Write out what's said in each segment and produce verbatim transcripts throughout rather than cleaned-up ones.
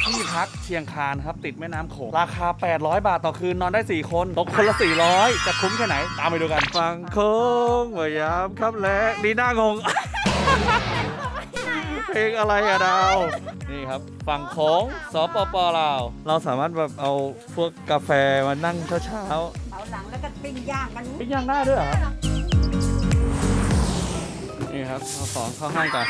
ที่พักเชียงคานครับติดแม่น้ำโขงราคาแปดร้อยบาทต่อคืนนอนได้สี่คนตกคนละสี่ร้อยจะคุ้มแค่ไหนตามไปดูกันฟังโค้งพยายามครับและดีน่างง เพลงอะไรอะดาวนี่ครับฝั่งโค้งสปปลาวเราสามารถแบบเอาพวกกาแฟมานั่งเช้าเอาหลังแล้วก็ปิ้งย่างกันๆปิ้งย่างได้ด้วยเหรอนี่ครับเอาของเข้าห้องก่อน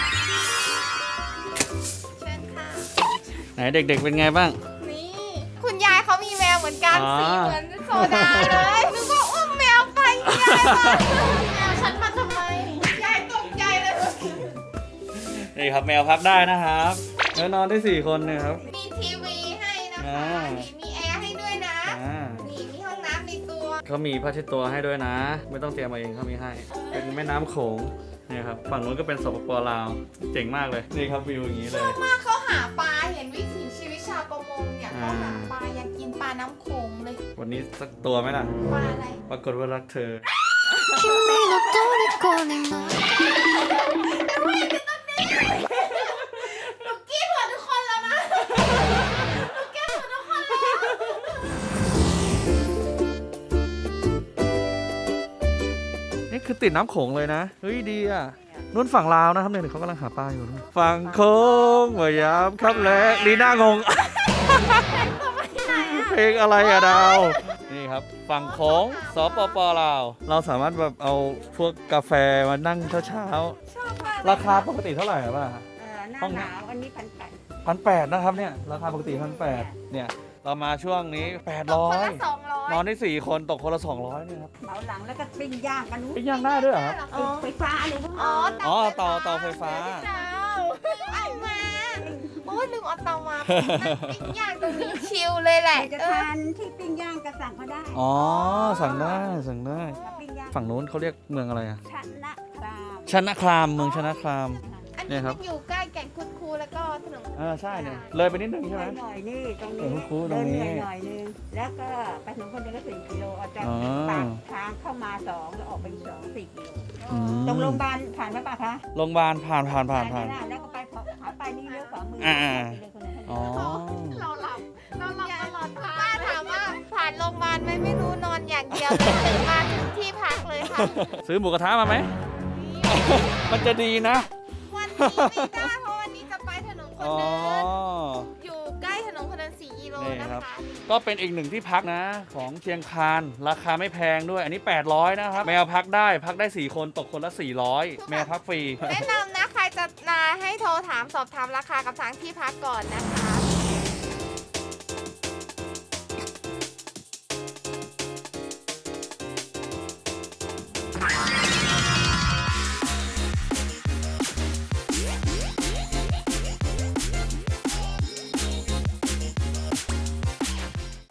เชิญค่ะไหนเด็กๆเป็นไงบ้างนี่คุณยายเขามีแมวเหมือนกันอ๋อสีเหมือนโซดาเลยนึกว่าอุ้มแมวไปยายมาแมวฉันมาทำไมยายตกใจเลยนี่ครับแมวพักได้นะครับแล้วนอนได้สี่คนนะครับมีทีวีให้นะคะอ่านี่มีแอร์ให้ด้วยนะอ่านี่มีห้องน้ำในตัวเขามีผ้าเช็ดตัวให้ด้วยนะ ไม่ต้องเตรียมมาเองเขามีให้ เป็นแม่น้ำโขงนี่ครับฝั่งนู้นก็เป็นสปปลาวเจ๋งมากเลยนี่ครับวิวอย่างนี้เลยมากเขาหาปลาเห็นวิถีชีวิตชาวประมงเนี่ยเขาหาอ่าปลาอยากกินปลาน้ำโขงเลยวันนี้สักตัวไหมล่ะปลาอะไรปรากฏว่ารักเธอ君の虜になるหนูกี้หัวทุกคนแล้วนะหนูกี้หัวทุกคนแล้วนี่คือติดน้ำโขงเลยนะ เฮ้ยดีอ่ะนู่นฝั่งลาวนะครับเนี่ยเขากำลังหาปลาอยู่นู่นฝั่งโค้งพยายามครับและดีน่างง เพลงอะไรอะดาวนี่ครับฝั่งโค้งสปปลาวเราสามารถแบบเอาพวกกาแฟมานั่งเช้าชอบมากๆราคาปกติเท่าไหร่อะป้าเออหน้าหนาวอันนี้พันแปดพันแปดนะครับเนี่ยราคาปกติพันแปดเนี่ยเรามาช่วงนี้แปดร้อคนยละสองร้อยนอนได้สี่คนตกคนละสองร้อยเนี่ยครับเอาหลังแล้วก็ปิ้งย่างกันนู้นปิ้งย่างได้ด้วยเหรอครับอ๋อไฟฟ้าเลยพวกอ๋ออ๋อเตาเตาไฟฟ้าเอามาโอ้ยลืมเอาเตามาปิ้งย่างตรงนี้ชิลเลยแหละจะเออทานที่ปิ้งย่างก็สั่งเขาได้อ๋อสั่งได้สั่งได้มาปิ้งย่างฝั่งนู้นเขาเรียกเมืองอะไรอะชนะครามชนะครามเมืองชนะครามอันเนี่นี้ยครัมับนอยู่ใกล้แก่งคุดคูแล้วก็ถนนอ่าใช่เนี่ยเลยไปนิดนึงใช่ไหมหน่อยนี่ตรงเอนี้อคุ้นๆตรเดิงนนี้เหนื่อยหน่อยนึงแล้วก็ไปถึงคนเดินก็สี่กิโลออกจากอ๋อปากทางเข้ามาสองแล้วออกไปอีกสองสี่กิโลอืมตรงโรงพยาบาลผ่านไหมป่ะคะโรงพยาบาลผ่านผ่านผ่านผ่านได้แล้วก็ไปขอขาไปนี่เลี้ยวขวามืออ่าไปเลยคนนั้นคนอ๋อนี้เราหลับเราหลับตลอดทางป้าถามว่าผ่านโรงพยาบาลไหมไม่รู้นอนอย่างเดียวเลยตื่นมาถึงที่พักเลยค่ะซื้อหมูกระทะมาไหม มันจะดีนะวันนี้ไม่ได้เพราะวันนี้จะไปถนนคนอ๋อเดินอยู่ใกล้ถนนคนเดินสี่กิโลนี่นะครัคะบ ก็เป็นอีกหนึ่งที่พักนะของเชียงคานราคาไม่แพงด้วย อันนี้แปดร้อยนะครับ แมวพักได้พักได้สี่คนตกคนละสี่ร้อยแมวพักฟรีแนะนำนะใครจะมาให้โทรถามสอบถามราคากับทางที่พักก่อนนะคะ